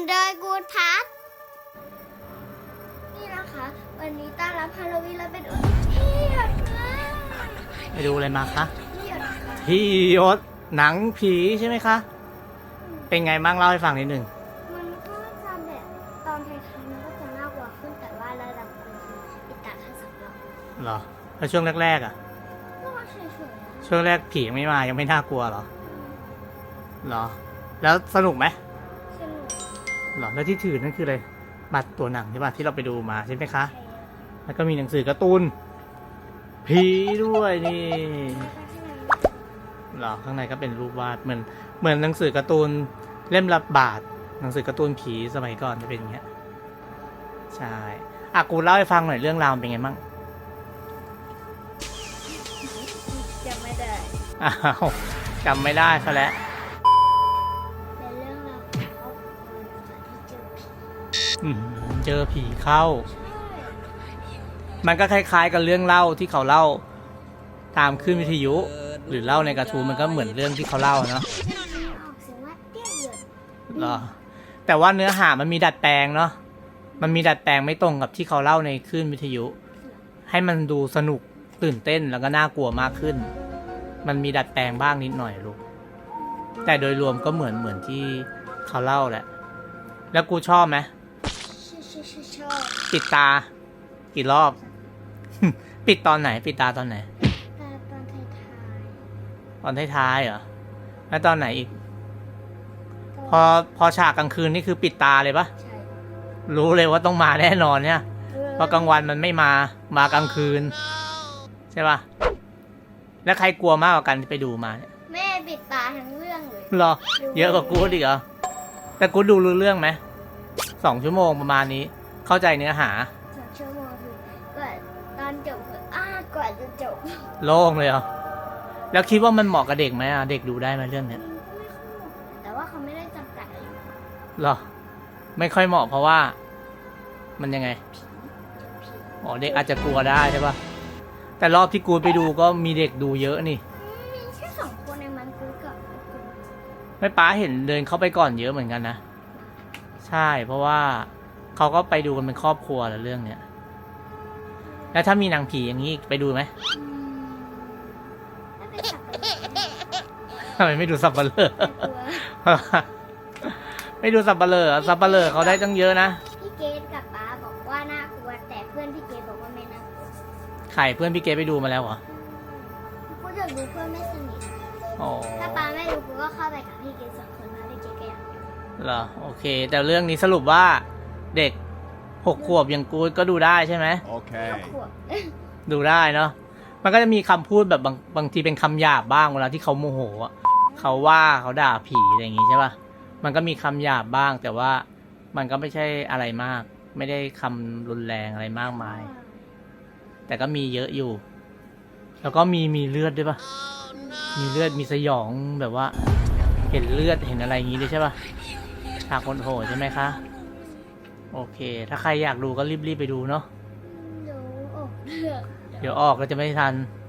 โดยกูทัศน์นี่นะคะ วันนี้ต้อนรับฮาโลวีนแล้วเป็นที่หยดมากไปดูอะไรมาคะที่หยดค่ะที่ยศหนังผีใช่ไหมคะ เป็นไงบ้างเล่าให้ฟังนิดหนึ่งมันก็จะแบบตอนท้ายๆมันก็จะน่ากลัวขึ้นแต่ว่าระดับกลางคือปิดตาแค่2 รอบเหรอแล้วช่วงแรกๆอ่ะก็เฉยๆนะช่วงแรกผียังไม่มายังไม่น่ากลัวเหรอเหรอ แล้วสนุกไหมสนุกเหรอแล้วที่ถือนั่นคืออะไรบัตรตัวหนังใช่ป่ะที่เราไปดูมาใช่ไหมคะ แล้วก็มีหนังสือการ์ตูนผีด้วยนี่เหรอข้างในก็เป็นรูปวาดเหมือนหนังสือการ์ตูนเล่มละบาทหนังสือการ์ตูนผีสมัยก่อนจะเป็นอย่างเงี้ยใช่อ่ะกูเล่าให้ฟังหน่อยเรื่องราวมันเป็นไงมั่งจำไม่ได้อ้าวจำไม่ได้ซะแล้วเป็นเรื่องราวของครอบครัวนะคะที่เจอผีเจอผีเข้าใช่มันก็คล้ายๆกับเรื่องเล่าที่เขาเล่าตามคลื่นวิทยุ หรือเล่าในการ์ตูนมันก็เหมือนเรื่องที่เขาเล่าเนาะออกเสียงว่าเตี้ยเหยินเหรอแต่ว่าเนื้อหามันมีดัดแปลงเนาะมันมีดัดแปลงไม่ตรงกับที่เขาเล่าในคลื่นวิทยุ ให้มันดูสนุกตื่นเต้นแล้วก็น่ากลัวมากขึ้น มันมีดัดแปลงบ้างนิดหน่อยลูกแต่โดยรวมก็เหมือนที่เขาเล่าแหละ แล้วกูชอบไหมชอบปิดตากี่รอบ ปิดตอนไหนปิดตาตอนไหนตอนท้ายตอนท้ายๆเหรอแล้วตอนไหนอีกๆพอฉากกลางคืนนี่คือปิดตาเลยปะใช่รู้เลยว่าต้องมาแน่นอนเนี่ยเพราะกลางวันมันไม่มากลางคืนใช่ปะแล้วใครกลัวมากกว่ากันที่ไปดูมาเนี่ยแม่ปิดตาทั้งเรื่องเลยหรอ เยอะกว่ากูอีกเหรอแต่กูดูรู้เรื่องไหม2 ชั่วโมงประมาณนี้ เข้าใจเนื้อหา 2 ชั่วโมงคือกว่าตอนจบคือกว่าจะจบโล่งเลยเหรอแล้วคิดว่ามันเหมาะกับเด็กไหมอ่ะเด็กดูได้ไหมเรื่องเนี้ยก็ไม่ค่อยเหมาะแต่ว่าเขาไม่ได้จำกัดอายุหรอ ไม่ค่อยเหมาะเพราะว่า มันยังไงผีอ๋อเด็กอาจจะกลัวได้ใช่ปะแต่รอบที่กูไปดูก็มีเด็กดูเยอะนี่มีแค่2 คนในมันกูกับกูไม่ป้าเห็นเดินเข้าไปก่อนเยอะเหมือนกันนะใช่เพราะว่าเขาก็ไปดูกันเป็นครอบครัวแล้วเรื่องเนี้ยแล้วถ้ามีหนังผีอย่างนี้ไปดูไหมถ้าเป็นสับปะรดทำไมไม่ดูสับปะเลอกลัวไม่ดูสับปะเลอสับปะเลอเขาได้ตั้งเยอะนะพี่เกดกับป๊าบอกว่าน่ากลัวแต่เพื่อนพี่เกดบอกว่าไม่น่ากลัวไข่เพื่อนพี่เกไปดูมาแล้วเหรอกูอยากดูเพื่อนไม่สนิทอ๋อถ้าป๊าไม่ดูกูก็เข้าไปกับพี่เกด2 คนมาพี่เกดก็อยากดูเหรอโอเค แต่เรื่องนี้สรุปว่าเด็ก6 ขวบอย่างกูก็ดูได้ใช่ไหม Okay. ขวบดูได้เนาะ มันก็จะมีคำพูดแบบบางทีเป็นคำหยาบบ้างเวลาที่เขาโมโหอะเขาว่าเขาด่าผีอะไรอย่างงี้ใช่ป่ะ มันก็มีคำหยาบบ้าง แต่ว่ามันก็ไม่ใช่อะไรมาก ไม่ได้คำรุนแรงอะไรมากมาย แต่ก็มีเยอะอยู่ แล้วก็มีเลือดด้วยป่ะ มีเลือดมีสยองแบบว่า เห็นเลือดเห็นอะไรอย่างงี้ด้วยใช่ป่ะฉากคนโหดใช่ไหมคะ โอเค ถ้าใครอยากดูก็รีบไปดูเนาะดูออกเลือกเดี๋ยวออกก็จะไม่ทันใ